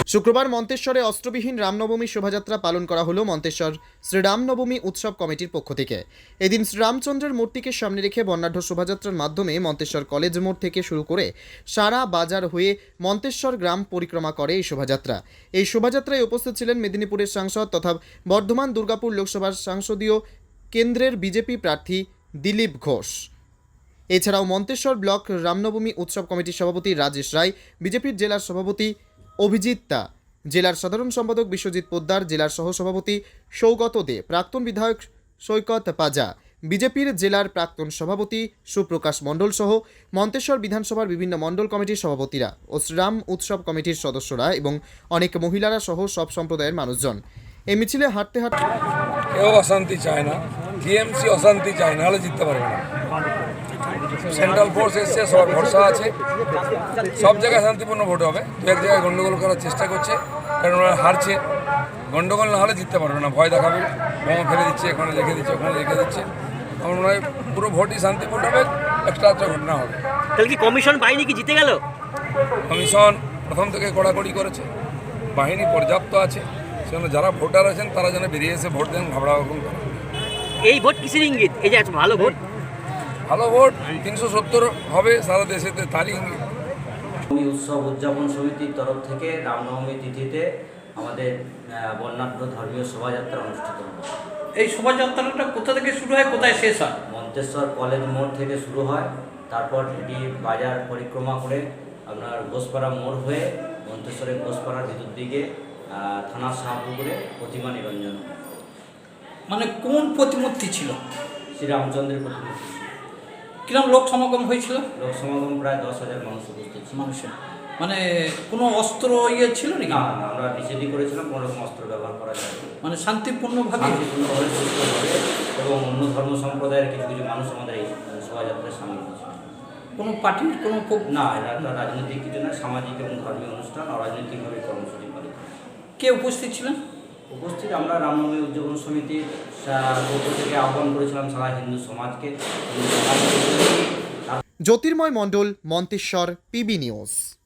শুক্রবার মন্তেশ্বরে অস্ত্রবিহীন রামনবমী শোভাযাত্রা পালন করা হলো মন্তেশ্বর শ্রীরামনবমী উৎসব কমিটির পক্ষ থেকে। এদিন শ্রীরামচন্দ্রের মূর্তিকে সামনে রেখে বর্ণাঢ্য শোভাযাত্রার মাধ্যমে মন্তেশ্বর কলেজ মোড় থেকে শুরু করে সারা বাজার হয়ে মন্তেশ্বর গ্রাম পরিক্রমা করে এই শোভাযাত্রা। এই শোভাযাত্রায় উপস্থিত ছিলেন মেদিনীপুরের সাংসদ তথা বর্ধমান দুর্গাপুর লোকসভার সংসদীয় কেন্দ্রের বিজেপি প্রার্থী দিলীপ ঘোষ। এছাড়াও মন্তেশ্বর ব্লক রামনবমী উৎসব কমিটির সভাপতি রাজেশ রায়, বিজেপির জেলার সভাপতি অভিজিৎ দা, জেলার সাধারণ সম্পাদক বিশ্বজিৎ পোদ্দার, জেলার সহসভাপতি সৌগত দে, প্রাক্তন বিধায়ক সৈকত পাজা, বিজেপির জেলার প্রাক্তন সভাপতি সুপ্রকাশ মণ্ডল সহ মন্তেশ্বর বিধানসভার বিভিন্ন মণ্ডল কমিটির সভাপতিরা ও শ্রীরাম উৎসব কমিটির সদস্যরা এবং অনেক মহিলারা সহ সব সম্প্রদায়ের মানুষজন এই মিছিলে হাঁটতে হাঁটতে। কেউ অশান্তি চায় না, টিএমসি অশান্তি চায় না, হলে জিততে পারবে না। সেন্ট্রাল ফোর্স এসছে, সবার ভরসা আছে, সব জায়গায় শান্তিপূর্ণ ভোট হবে। দু এক জায়গায় গন্ডগোল করার চেষ্টা করছে, কারণ ওরা হারছে। গন্ডগোল না হলে জিততে পারবে না, ভয় দেখাবে, বোমা ফেলে দিচ্ছে, এখানে রেখে দিচ্ছে, ওখানে রেখে দিচ্ছে। আমার মনে হয় পুরো ভোটই শান্তিপূর্ণ হবে, একটা ঘটনা হবে। তাহলে কি কমিশন বাহিনী কি জিতে গেল? কমিশন প্রথম থেকে কড়াকড়ি করেছে, বাহিনী পর্যাপ্ত আছে, সেজন্য যারা ভোটার আছেন তারা যেন বেরিয়ে এসে ভোট দেন, ঘাবড়া রকম করে। এই ভোট কিসের ইঙ্গিত? এই যে এত ভালো ভোট, ভালো ভোট 370 হবে সারা দেশেতে, তারই ইঙ্গিত। উৎসব উদযাপন সমিতির তরফ থেকে রামনবমী তিথিতে আমাদের বর্ণাঢ্য ধর্মীয় শোভাযাত্রা অনুষ্ঠিত হবে। এই শোভাযাত্রাটা কোথা থেকে শুরু হয়, কোথায় শেষ হয়? মন্তেশ্বর কলেজ মোড় থেকে শুরু হয়, তারপর এটি বাজার পরিক্রমা করে আপনার ঘোষপাড়া মোড় হয়ে মন্তেশ্বরের ঘোষপাড়ার ভিতর দিকে থানার শাহপুকুরে প্রতিমা নিরঞ্জন। মানে কোন প্রতিমূর্তি ছিল? শ্রীরামচন্দ্রের প্রতিমূর্তি। কিরম লোক সমাগম হয়েছিল? লোক সমাগম প্রায় 10,000 মানুষ উপস্থিত ছিল। মানুষের মানে কোনো অস্ত্র ছিল নাকি? না, আমরা নিষেধই করেছিলাম, কোনো রকম অস্ত্র ব্যবহার করা যায় না। মানে শান্তিপূর্ণভাবে সুস্থভাবে এবং অন্য ধর্ম সম্প্রদায়ের কিছু কিছু মানুষ আমাদের এই শোভাযাত্রায় সামিল হয়েছে। কোনো পার্টির কোনো না, এটা একটা রাজনৈতিক কিছু না, সামাজিক এবং ধর্মীয় অনুষ্ঠান, অরাজনৈতিকভাবে কর্মসূচি পালিত। কে উপস্থিত ছিলেন? উপস্থিত আমরা রামনবমী উদযাপন সমিতির পক্ষ থেকে আহ্বান করেছিলাম সারা হিন্দু সমাজকে। Jyotirmoy Mondal, Manteswar, PB news.